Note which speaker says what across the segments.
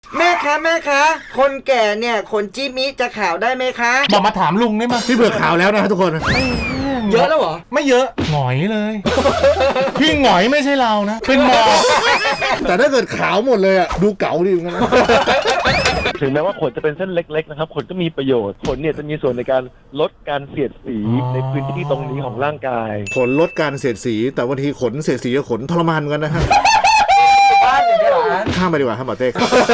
Speaker 1: แม่คะคนแก่เนี่ยขนจิมิจะขาวได้ไหมคะ
Speaker 2: บอกมาถามลุงได้ไหม
Speaker 3: พี่เบื่อข่าวแล้วนะทุกคน
Speaker 1: เยอะแล้วเหรอ
Speaker 2: ไม่เยอะหงอยเลยพี่หงอยไม่ใช่เรานะเป็นหมอ
Speaker 3: แต่ถ้าเกิดขาวหมดเลยอ่ะดูเก๋าดีเหมือนกันนะ
Speaker 4: ถึงแม้ว่าขนจะเป็นเส้นเล็กๆนะครับขนก็มีประโยชน์ขนเนี่ยจะมีส่วนในการลดการเสียดสีในพื้นที่ตรงนี้ของร่างกาย
Speaker 3: ขนลดการเสียดสีแต่บางทีขนเสียดสีกับขนทรมานเหมือนกันนะฮะ
Speaker 1: บ้านอย่างนี้เหรอ
Speaker 3: ข้ามไปดีกว่าครับหมอเต้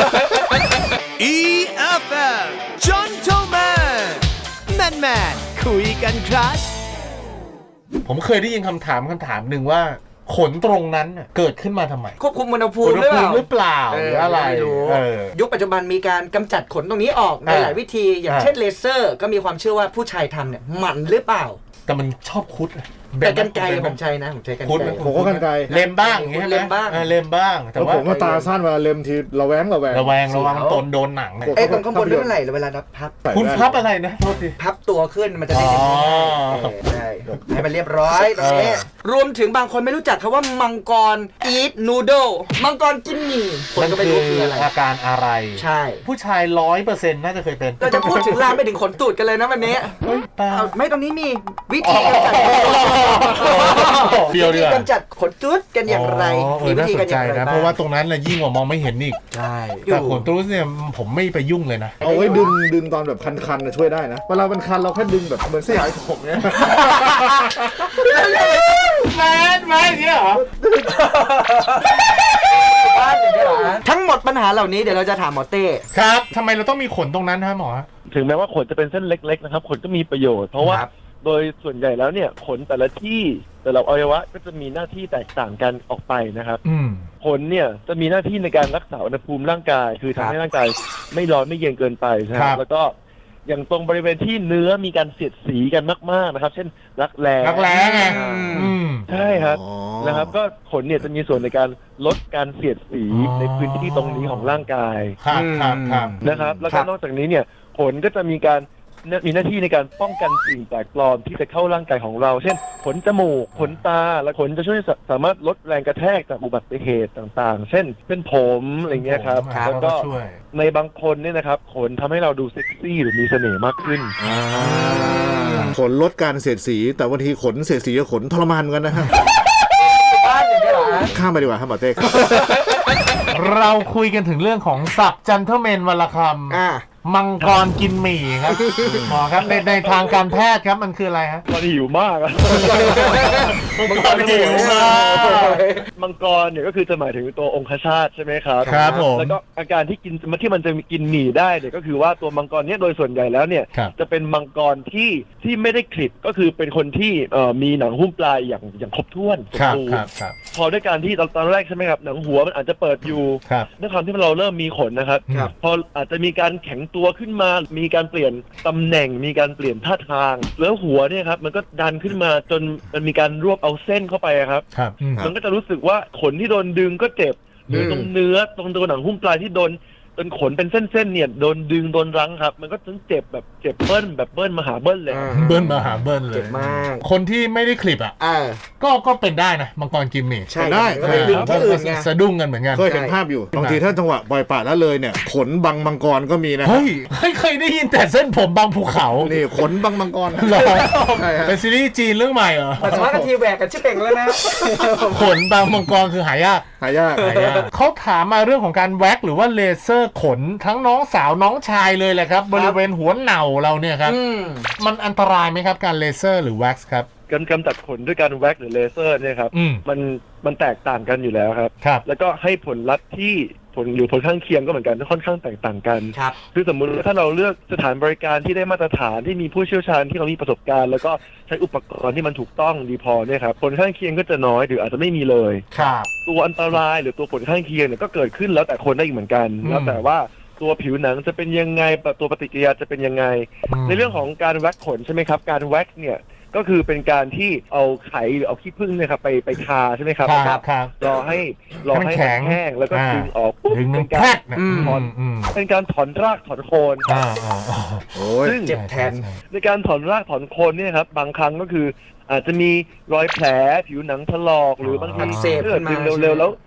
Speaker 5: EFM Gentleman Man คุยกันครับ
Speaker 2: ผมเคยได้ยินคำถามหนึ่งว่าขนตรงนั้นเกิดขึ้นมาทำไม
Speaker 1: ควบคุมอุณหภูมิหรือเปล่า
Speaker 2: หรือเปล่าหรืออะไร
Speaker 1: ไม่รู้ยุคปัจจุบันมีการกำจัดขนตรงนี้ออกในหลายวิธีอย่างเช่นเลเซอร์ก็มีความเชื่อว่าผู้ชายทำเนี่ยหมันหรือเปล่า
Speaker 2: แต่มันชอบคุด
Speaker 1: แต่กันไกลผมใช้นะผมใช้กันไกล
Speaker 3: ผมก็กันไกล
Speaker 2: เล็มบ้างอย่างเงี้ย
Speaker 1: เล็มบ้าง
Speaker 2: เล็มบ้างแต่ว่า
Speaker 3: ผมว่าตาสั้นเวลาเล็มทีระแวง
Speaker 2: ระวังตนโดนหนัง
Speaker 1: ไอ้ตรงข้างบนไม่เป็นไรเวลาเราพับ
Speaker 2: คุณพับอะไรนะโทษที
Speaker 1: พับตัวขึ้นมันจะได้เห็นใช่ให้มันเรียบร้อยตรงนี้รวมถึงบางคนไม่รู้จักคำว่ามังกร eat noodle มังกรกินหมี่คนก็ไม่รู้คืออะไร
Speaker 2: อาการอะไร
Speaker 1: ใช่
Speaker 2: ผู้ชาย 100% น่าจะเคยเป็น
Speaker 1: เราจะพูดถึงลามไปถึงขนตูดกันเลยนะวันนี้ไม่ตรงนี้มีวิธีกำจัดวิธีกำจัดขนตูดกันอย่างไรมีวิธีกันอย่างไรบ้าง
Speaker 2: เพราะว่าตรงนั้นยิ่งกว่ามองไม่เห็นอีก
Speaker 1: ใช่
Speaker 2: แต่ขนตูดเนี่ยผมไม่ไปยุ่งเลยนะ
Speaker 3: เอาไว้ดึงตอนแบบคันๆช่วยได้นะเวลาเป็นคันเราแค่ดึงแบบเหมือนเสียหายผมเนี่ย
Speaker 2: แมนอย่างเงี้ยเหรอ
Speaker 1: บ้านอย่างนี้เหรอทั้งหมดปัญหาเหล่านี้เดี๋ยวเราจะถามหมอเต้
Speaker 2: ครับทำไมเราต้องมีขนตรงนั้นฮะหมอ
Speaker 4: ถึงแม้ว่าขนจะเป็นเส้นเล็กๆนะครับขนก็มีประโยชน์เพราะว่าโดยส่วนใหญ่แล้วเนี่ยขนแต่ละที่แต่ละอวัยวะก็จะมีหน้าที่แตกต่างกันออกไปนะครับขนเนี่ยจะมีหน้าที่ในการรักษาอุณหภูมิร่างกายคือทำให้ร่างกายไม่ร้อนไม่เย็นเกินไปนะครับแล้วก็อย่างตรงบริเวณที่เนื้อมีการเสียดสีกันมากๆนะครับเช่นรักแร้
Speaker 2: ไง
Speaker 4: ใช่ครับนะครับก็ขนเนี่ยจะมีส่วนในการลดการเสียดสีในพื้นที่ตรงนี้ของร่างกายนะครับแล้วก็นอกจากนี้เนี่ยขนก็จะมีหน้าที่ในการป้องกันสิ่งแปลกปลอมที่จะเข้าร่างกายของเราเช่นขนจมูกขนตาและขนจะช่วยสามารถลดแรงกระแทกจากอุบัติเหตุต่างๆเช่นเป็นผมอะไรเงี้ยครับแล้วก็ในบางคนเนี่ยนะครับขนทำให้เราดูเซ็กซี่หรือมีเสน่ห์มากขึ้น
Speaker 3: ขนลดการเสียดสีแต่บางทีขนเสียดสีกับขนทรมานเหมือนกันนะฮะ
Speaker 1: บ้านอย่างนี้เหรอ
Speaker 3: ข้ามไปดีกว่าครับหมอเต้
Speaker 2: เราคุยกันถึงเรื่องของศัพท์จันเทอร์แมนวรรณคำมังกรกินหมี่ครับหมอครับในทางการแพทย์ครับมันคืออะไรฮะ
Speaker 4: มันหิวมาก
Speaker 2: มังกรหิวมาก
Speaker 4: มังกรเนี่ยก็คือจะหมายถึงตัวองคชาตใช่ไหมครับ
Speaker 2: ครับผม
Speaker 4: แล้วก็อาการที่มันจะกินหมี่ได้เนี่ยก็คือว่าตัวมังกรเนี่ยโดยส่วนใหญ่แล้วเนี่ยจะเป็นมังกรที่ไม่ได้คลิปก็คือเป็นคนที่มีหนังหุ้มปลายอย่างครบถ้วน
Speaker 2: ครับ
Speaker 4: พอด้วยการที่ตอนแรกใช่ไหมครับหนังหัวมันอาจจะเปิดอยู่ด้วยความที่เราเริ่มมีขนนะครับพออาจจะมีการแข็งตัวขึ้นมามีการเปลี่ยนตำแหน่งมีการเปลี่ยนท่าทางแล้วหัวเนี่ยครับมันก็ดันขึ้นมาจนมันมีการรวบเอาเส้นเข้าไปครับมันก็จะรู้สึกว่าขนที่โดนดึงก็เจ็บหรือตรงเนื้อตรงตัวหนังหุ้มปลายที่โดนจนขนเป็นเส้นๆเนี่ยโดนดึงโดนรั้งครับมันก็ถึงเจ็บแบบเจ็บเบิ้ลมหาเบิ้ลเลย
Speaker 2: เบิ้ลมหาเบิ้ลเลย
Speaker 1: เจ็บมาก
Speaker 2: คนที่ไม่ได้คลิปก็เป็นได้นะมังกรกิมมี่
Speaker 1: ใช่ได้
Speaker 2: สะดุ้งกันเหมือนกัน
Speaker 3: เคยเห็นภาพอยู่บางทีถ้าจังหวะปล่อยปละแล้วเลยเนี่ยขนบังมังกรก็มีนะ
Speaker 2: เฮ้ยเคยได้ยินแต่เส้นผมบางภูเขา
Speaker 3: นี่ขนบังมังกร
Speaker 2: เป็นซีรีส์จีนเรื่องใหม่เหรอ
Speaker 1: แต่ว่ากันทีแหวกกันชิบเป่งแล้วนะ
Speaker 2: ขนบางมังกรคือหายากเขาถามมาเรื่องของการแว็กหรือว่าเลเซอร์ขนทั้งน้องสาวน้องชายเลยแหละครับบริเวณหัวเหน่าเราเนี่ยครับมันอันตรายไหมครับการเลเซอร์หรือแว็กซ์ครับ
Speaker 4: การกำจัดขนด้วยการแว็กหรือเลเซอร์เนี่ยครับมันแตกต่างกันอยู่แล้วครับแล้วก็ให้ผลลัพธ์ที่ผลข้างเคียงก็เหมือนกันค่อนข้างแตกต่างกันคือสมมุติถ้าเราเลือกสถานบริการที่ได้มาตรฐานที่มีผู้เชี่ยวชาญที่เขามีประสบการณ์แล้วก็ใช้อุปกรณ์ที่มันถูกต้องดีพอเนี่ยครับผลข้างเคียงก็จะน้อยหรืออาจจะไม่มีเลยตัวอันตรายหรือตัวผลข้างเคียงเนี่ยก็เกิดขึ้นแล้วแต่คนได้อีกเหมือนกันแล้วแต่ว่าตัวผิวหนังจะเป็นยังไงตัวปฏิกิริยาจะเป็นยังไงในเรื่องของการแว็กขนใช่ไหมครับการแว็กเนี่ยก็คือเป็นการที่เอาไข่หรือเอาขี้ผึ้งเนี่ยครับไปทาใช่ไหมครับรอให้แห้งแล้วก็ดึงออกปุ๊บเป็นการถอนรากถอนโคน
Speaker 1: ซึ่งเจ็บแทน
Speaker 4: ในการถอนรากถอนโคนเนี่ยครับบางครั้งก็คืออาจจะมีรอยแผลผิวหนังถลอกหรือบางทีเลือดดึงเร็วๆแล้ว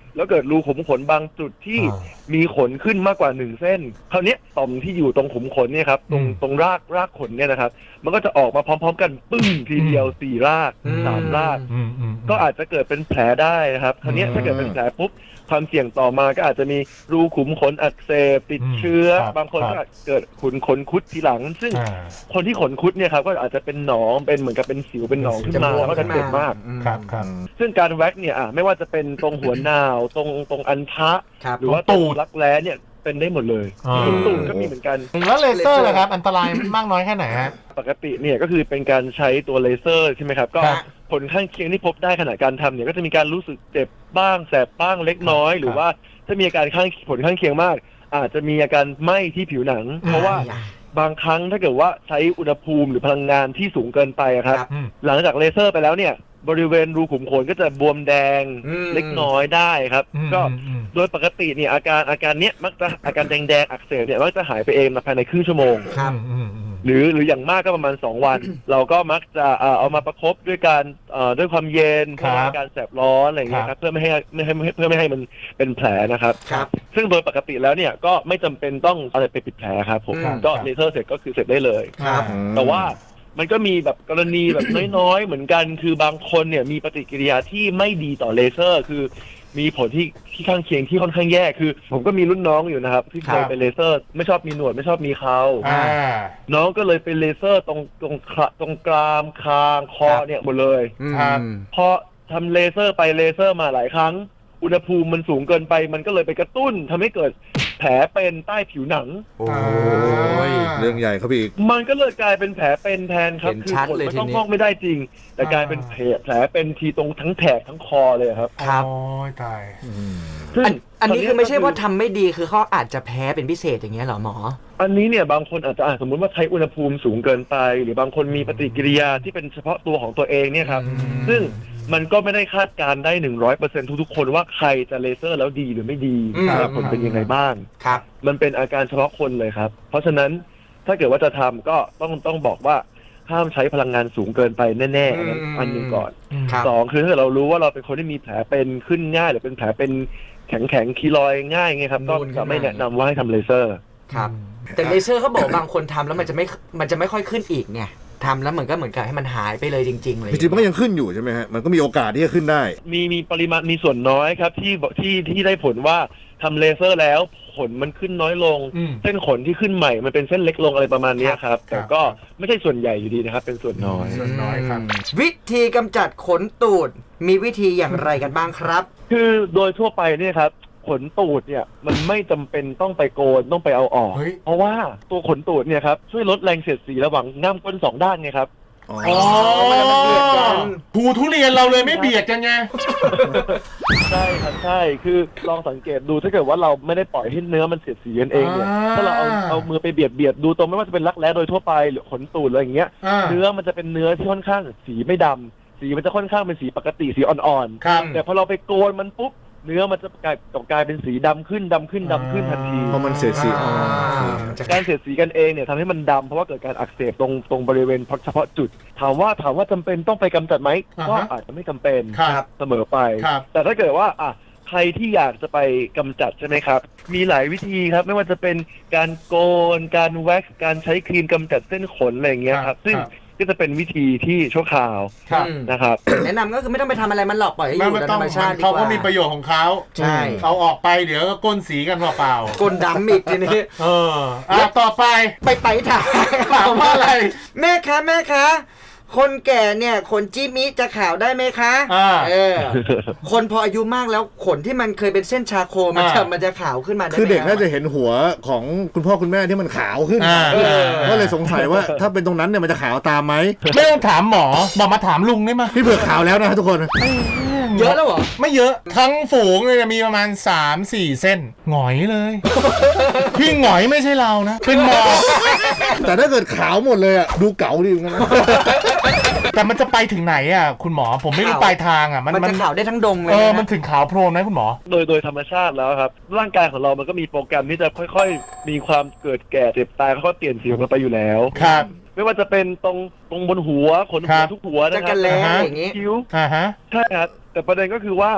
Speaker 4: แล้วเกิดรูขุมขนบางจุดที่มีขนขึ้นมากกว่า1เส้นคราวนี้ต่อมที่อยู่ตรงขุมขนเนี่ยครับตรงรากขนเนี่ยนะครับมันก็จะออกมาพร้อมๆกันปึ้งทีเดียว4ราก3รากก็อาจจะเกิดเป็นแผลได้นะครับคราวนี้ถ้าเกิดเป็นแผลปุ๊บความเสี่ยงต่อมาก็อาจจะมีรูขุมขนอักเสบติดเชื้อบางคนก็เกิดขนคุดทีหลังซึ่งคนที่ขนคุดเนี่ยครับก็อาจจะเป็นหนองเป็นเหมือนกับเป็นสิวเป็นหนองขึ้นมาแล้วก็จะเจ็บมาก
Speaker 2: ครับ
Speaker 4: ซึ่งการแว็กเนี่ยไม่ว่าจะเป็นตรงหัวนาวตรงอันทะหรือว่าตูดรักแร้เนี่ยเป็นได้หมดเลยตูดก็มีเหมือนกัน
Speaker 2: แล้วเลเซอร์ล่ะครับอันตรายมากน้อยแค่ไหนฮะ
Speaker 4: ปกติเนี่ยก็คือเป็นการใช้ตัวเลเซอร์ใช่ไหมครับก็ผลข้างเคียงที่พบได้ขณะการทำเนี่ยก็จะมีการรู้สึกเจ็บบ้างแสบบ้างเล็กน้อยหรือว่าถ้ามีอาการผลข้างเคียงมากอาจจะมีอาการไหม้ที่ผิวหนังเพราะว่าบางครั้งถ้าเกิดว่าใช้อุณหภูมิหรือพลังงานที่สูงเกินไปครับหลังจากเลเซอร์ไปแล้วเนี่ยบริเวณรูขุมขนก็จะบวมแดงเล็กน้อยได้ครับก็โดยปกติเนี่ยอาการเนี้ยมักจะอาการแดงอักเสบเนี่ยมักจะหายไปเองภายในครึ่งชั่วโมงหรืออย่างมากก็ประมาณ2 วันเราก็มักจะเอามาประคบด้วยการด้วยความเย็นเพื่อการแสบร้อนอะไรอย่างเงี้ยครับเพื่อไม่ให้มันเป็นแผลนะครับซึ่งโดยปกติแล้วเนี่ยก็ไม่จำเป็นต้องอะไรไปปิดแผลครับผมก็เลเซอร์เสร็จก็คือเสร็จได้เลยแต่ว่ามันก็มีแบบกรณีแบบน้อยๆเหมือนกันคือบางคนเนี่ยมีปฏิกิริยาที่ไม่ดีต่อเลเซอร์คือมีผลที่ข้างเคียงที่ค่อนข้างแย่คือผมก็มีรุ่นน้องอยู่นะครับที่เคยไปเลเซอร์ไม่ชอบมีหนวดไม่ชอบมีเขาน้องก็เลยไปเลเซอร์ตรงกรามคางคอเนี่ยหมดเลยพอทำเลเซอร์ไปเลเซอร์มาหลายครั้งอุณหภูมิมันสูงเกินไปมันก็เลยไปกระตุ้นทำให้เกิดแผลเป็นใต้ผิวหนัง
Speaker 3: โอ้ยเรื่องใหญ่ครับอีก
Speaker 4: มันก็เลยกลายเป็นแผลเป็นแทนครับคือผลมันต้องพอกไม่ได้จริงแต่กลายเป็นแผลเป็นทีตรงทั้งแถบทั้งคอเลยครับ
Speaker 2: ครับโอ้ยตาย
Speaker 1: อันนี้คือไม่ใช่ว่าทำไม่ดีคือเขาอาจจะแพ้เป็นพิเศษอย่างเงี้ยหรอหมอ
Speaker 4: อันนี้เนี่ยบางคนอาจจะสมมุติว่าใช้อุณหภูมิสูงเกินไปหรือบางคนมีปฏิกิริยาที่เป็นเฉพาะตัวของตัวเองเนี่ยครับซึ่งมันก็ไม่ได้คาดการได้ 100% ทุกๆคนว่าใครจะเลเซอร์แล้วดีหรือไม่ดีผลเป็นยังไงบ้าง
Speaker 1: ครับ
Speaker 4: มันเป็นอาการเฉพาะคนเลยครับเพราะฉะนั้นถ้าเกิดว่าจะทำก็ต้องบอกว่าห้ามใช้พลังงานสูงเกินไปแน่ๆอันนึงก่อน2คือถ้าเรารู้ว่าเราเป็นคนที่มีแผลเป็นขึ้นง่ายหรือเป็นแผลเป็นแข็งคีลอยง่ายไงครับก็จะไม่แนะนำว่าให้ทำเลเซอร์
Speaker 1: ครับแต่เลเซอร์เขาบอกบางคนทำแล้วมันจะไม่ค่อยขึ้นอีกไงทำแล้วเหมือนกับให้มันหายไปเลยจริงๆเลย
Speaker 3: จริงๆมันก็ยังขึ้นอยู่ใช่ไหมฮะมันก็มีโอกาสที่จะขึ้นได้
Speaker 4: มีปริมาณมีส่วนน้อยครับที่ได้ผลว่าทำเลเซอร์แล้วขนมันขึ้นน้อยลงเส้นขนที่ขึ้นใหม่มันเป็นเส้นเล็กลงอะไรประมาณนี้ครับแต่ก็ไม่ใช่ส่วนใหญ่อยู่ดีนะครับเป็นส่วนน้
Speaker 2: อยครับ
Speaker 1: วิธีกำจัดขนตูดมีวิธีอย่างไรกันบ้างครับ
Speaker 4: คือโดยทั่วไปเนี่ยครับขนตูดเนี่ยมันไม่จำเป็นต้องไปโกนต้องไปเอาออกเพราะว่าตัวขนตูดเนี่ยครับช่วยลดแรงเสียดสีระหว่างง่ามก้น2 ด้านไงครับ
Speaker 2: มันเบียดกันภูทุเรียนเราเลยไม่เบียดกันไง
Speaker 4: ใช่ครับใช่คือลองสังเกตดูถ้าเกิดว่าเราไม่ได้ปล่อยให้เนื้อมันเสียดสีกันเองเนี่ยถ้าเราเอามือไปเบียดดูตรงไม่ว่าจะเป็นรักแร้โดยทั่วไปหรือขนตูดอะไรอย่างเงี้ยเนื้อมันจะเป็นเนื้อที่ค่อนข้างสีไม่ดำสีมันจะค่อนข้างเป็นสีปกติสีอ่อนๆแต่พอเราไปโกนมันปุ๊บเนื้อมันจะกลายเป็นสีดำขึ้นทันที
Speaker 3: เพราะมันเสียดสี
Speaker 4: การเสียดสีกันเองเนี่ยทำให้มันดำเพราะว่าเกิดการอักเสบตรงบริเวณเฉพาะจุดถามว่าจำเป็นต้องไปกำจัดไหมก็อาจจะไม่จำเป็นเสมอไปแต่ถ้าเกิดว่าใครที่อยากจะไปกำจัดใช่ไหมครับมีหลายวิธีครับไม่ว่าจะเป็นการโกนการแว็กซ์การใช้ครีมกำจัดเส้นขนอะไรอย่างเงี้ยครับซึ่งก็จะเป็นวิธีที่ชั่วคราวนะครับ
Speaker 1: แนะนำก็คือไม่ต้องไปทำอะไรมันหรอกปล่อยให้อยู่ธรรมชาติดีกว่า
Speaker 2: เขาก็มีประโยชน์ของเขา
Speaker 1: ใช่
Speaker 2: เอาออกไปเดี๋ยวก็ก้นสีกันเปล่า
Speaker 1: ก้นดำอีกทีนี้
Speaker 2: ต่อไป
Speaker 1: ถามว่าอะไรแม่คะคนแก่เนี่ยขนจิมิจะขาวได้ไหมคะคนพออายุมากแล้วขนที่มันเคยเป็นเส้นชาโคมันจะขาวขึ้นมาได้ไหม
Speaker 3: คือเด็กน่าจะเห็นหัวของคุณพ่อคุณแม่ที่มันขาวขึ้นก็เลยสงสัยว่าถ้าเป็นตรงนั้นเนี่ยมันจะขาวตามไหม
Speaker 2: ไม่ต้องถามหมอมาถามลุงได้ไหม
Speaker 3: พี่เผือกขาวแล้วนะทุกคน
Speaker 1: เยอะแล้วเหรอ
Speaker 2: ไม่เยอะทั้งฝูงเลยมีประมาณ 3-4 เส้นหงอยเลยพี่หงอยไม่ใช่เรานะเป็นหมอ
Speaker 3: แต่ถ้าเกิดขาวหมดเลยอ่ะดูเก๋าดีเหมือนกันนะ
Speaker 2: แต่มันจะไปถึงไหนอ่ะคุณหมอผมไม่รู้ปลายทางอ่ะ
Speaker 1: มันจะขาวได้ทั้งดงเลย
Speaker 2: มันถึงขาวโพลนไหมคุณหมอ
Speaker 4: โดยธรรมชาติแล้วครับร่างกายของเรามันก็มีโปรแกรมที่จะค่อยๆมีความเกิดแก่เจ็บตายเขาก็เปลี่ยนสีของมันไปอยู่แล้ว
Speaker 2: ครับ
Speaker 4: ไม่ว่าจะเป็นตรงบนหัวขนหัวทุกหัวนะครับ
Speaker 1: อย่างงี้
Speaker 4: คิ้วใช่ครับแต่ประเด็นก็คือว่าพ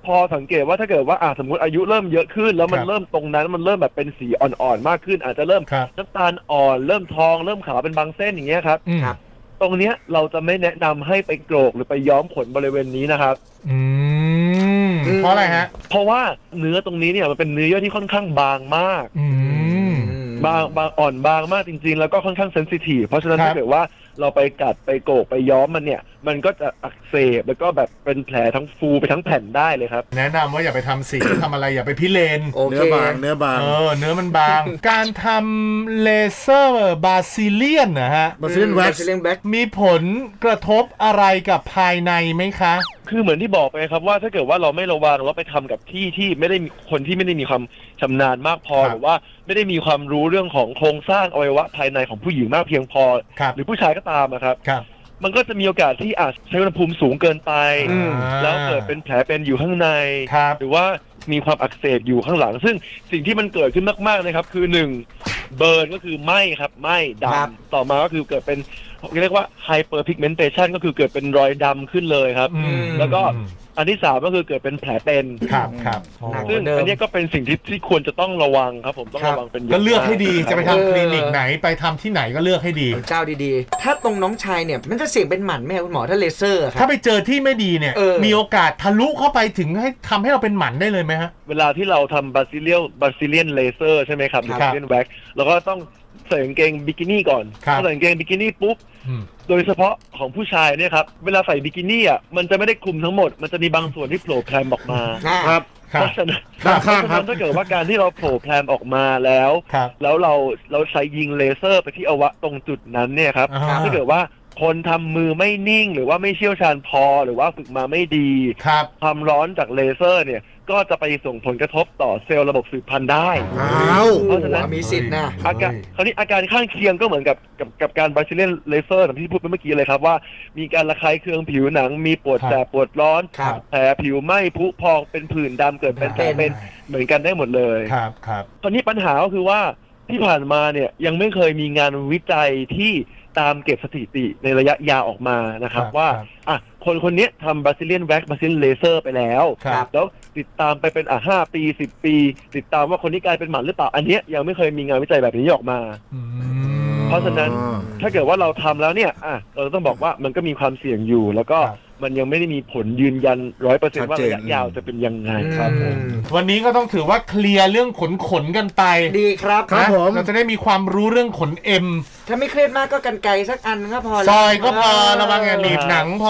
Speaker 4: พอสังเกตว่าถ้าเกิดว่าสมมติอายุเริ่มเยอะขึ้นแล้วมันเริ่มตรงนั้นมันเริ่มแบบเป็นสีอ่อนๆมากขึ้นอาจจะเริ่มน้ำตาลอ่อนเริ่มทองเริ่มขาวเป็นบางเส้นอย่างเงี้ยครับตรงเนี้ยเราจะไม่แนะนำให้ไปโกรกหรือไปย้อมขนบริเวณนี้นะครับ
Speaker 2: เพราะอะไรฮะ
Speaker 4: เพราะว่าเนื้อตรงนี้เนี่ยมันเป็นเนื้อเยื่อที่ค่อนข้างบางมากบางอ่อนบางมากจริงๆแล้วก็ค่อนข้างเซนซิทีฟเพราะฉะนั้นถ้าเกิดว่าเราไปกัดไปโกกไปย้อมมันเนี่ยมันก็จะอักเสบแล้วก็แบบเป็นแผลทั้งฟูไปทั้งแผ่นได้เลยครับ
Speaker 2: แนะนำว่าอย่าไปทำสีทำอะไรอย่าไปพิเรน
Speaker 3: เนื้อบางเนื้
Speaker 2: อมันบางการทำเลเซอร์บาซิเลียนนะฮะ
Speaker 3: บาซิเลียนแว็กซ์
Speaker 2: มีผลกระทบอะไรกับภายในไหมคะ
Speaker 4: คือเหมือนที่บอกไปครับว่าถ้าเกิดว่าเราไม่ระวังแล้วไปทำกับที่ไม่ได้มีคนที่ไม่ได้มีความชำนาญมากพอหรือว่าไม่ได้มีความรู้เรื่องของโครงสร้างอวัยวะภายในของผู้หญิงมากเพียงพอหรือผู้ชายก็ตามนะครับมันก็จะมีโอกาสที่อาจใช้อุณหภูมิสูงเกินไปแล้วเกิดเป็นแผลเป็นอยู่ข้างในหรือว่ามีความอักเสบอยู่ข้างหลังซึ่งสิ่งที่มันเกิดขึ้นมากๆนะครับคือ1เบิร์นก็คือไหม้ครับไหม้ดำต่อมาก็คือเกิดเป็นเรียกว่าไฮเปอร์พิกเมนเทชันก็คือเกิดเป็นรอยดำขึ้นเลยครับแล้วก็อันที่3ก็คือเกิดเป็นแผลเป็น
Speaker 2: ครับ
Speaker 4: ซึ่งอันนี้ก็เป็นสิ่งที่ควรจะต้องระวังครับผมต้องระวังเป็น
Speaker 2: ก็เลือกให้ดีจะไปทำคลินิกไหนไปทำที่ไหนก็เลือกให้ดี
Speaker 1: เจ้าดีๆถ้าตรงน้องชายเนี่ยมันจะเสี่ยงเป็นหมันไหมคุณหมอถ้าเลเซอร์ครับ
Speaker 2: ถ้าไปเจอที่ไม่ดีเนี่ยมีโอกาสทะลุเข้าไปถึงให้ทำให้เราเป็นหมันได้เลยไหมฮะ
Speaker 4: เวลาที่เราทำบาซิเลียนเลเซอร์ใช่ไหมครับหรือบาซิเลียนแว็กซ์เราก็ต้องใส่กางเกงบิกินี่ก่อนใส่กางเกงบิกินี่ปุ๊บโดยเฉพาะของผู้ชายเนี่ยครับเวลาใส่บิกินี่มันจะไม่ได้คลุมทั้งหมดมันจะมีบางส่วนที่โผล่แพรมออกมา
Speaker 3: ครับ
Speaker 4: เพราะฉะนั้นถ้าเกิดว่าการที่เราโผล่แพรมออกมาแล้วเราใช้ยิงเลเซอร์ไปที่อวัยวะตรงจุดนั้นเนี่ยครับถ้าเกิดว่าคนทำมือไม่นิ่งหรือว่าไม่เชี่ยวชาญพอหรือว่าฝึกมาไม่ดีความร้อนจากเลเซอร์เนี่ยก็จะไปส่งผลกระทบต่อเซลล์ระบบสืบพันธุ์ได้
Speaker 1: เพราะฉะนั้นมีสิทธิ์นะ
Speaker 4: คราวนี้อาการข้างเคียงก็เหมือนกับการบาซิเลียนเลเซอร์ที่พูดไปเมื่อกี้เลยครับว่ามีการระคายเคืองผิวหนังมีปวดแสบปวดร้อนแผลผิวไหม้พุพองเป็นผื่นดำเกิดเป็นแผลเป็นเหมือนกันได้หมดเลย
Speaker 2: ครับ
Speaker 4: ตอนนี้ปัญหาก็คือว่าที่ผ่านมาเนี่ยยังไม่เคยมีงานวิจัยที่ตามเก็บสถิติในระยะยาวออกมานะครับว่าคนนี้ทำบาซิเลียนแว็กซ์บาซิเลียนเลเซอร์ไปแล้วติดตามไปเป็น5 ปี10 ปีติดตามว่าคนนี้กลายเป็นหมันหรือเปล่าอันนี้ยังไม่เคยมีงานวิจัยแบบนี้ออกมาเพราะฉะนั้นถ้าเกิดว่าเราทำแล้วเนี่ยเราต้องบอกว่ามันก็มีความเสี่ยงอยู่แล้วก็มันยังไม่ได้มีผลยืนยัน 100% ว่าระยะยาวจะเป็นยังไงครับผม
Speaker 2: วันนี้ก็ต้องถือว่าเคลียร์เรื่องขนกันไป
Speaker 1: ดีครับ
Speaker 2: ผมเราจะได้มีความรู้เรื่องขนเอ็ม
Speaker 1: ถ้าไม่เครียดมากก็กันไกรสักอันก็พอ
Speaker 2: ซอยก็พอระวังอย่าหนีบหนังพอ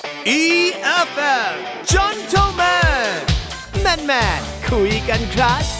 Speaker 5: EFM Gentleman แมนคุยกันครับ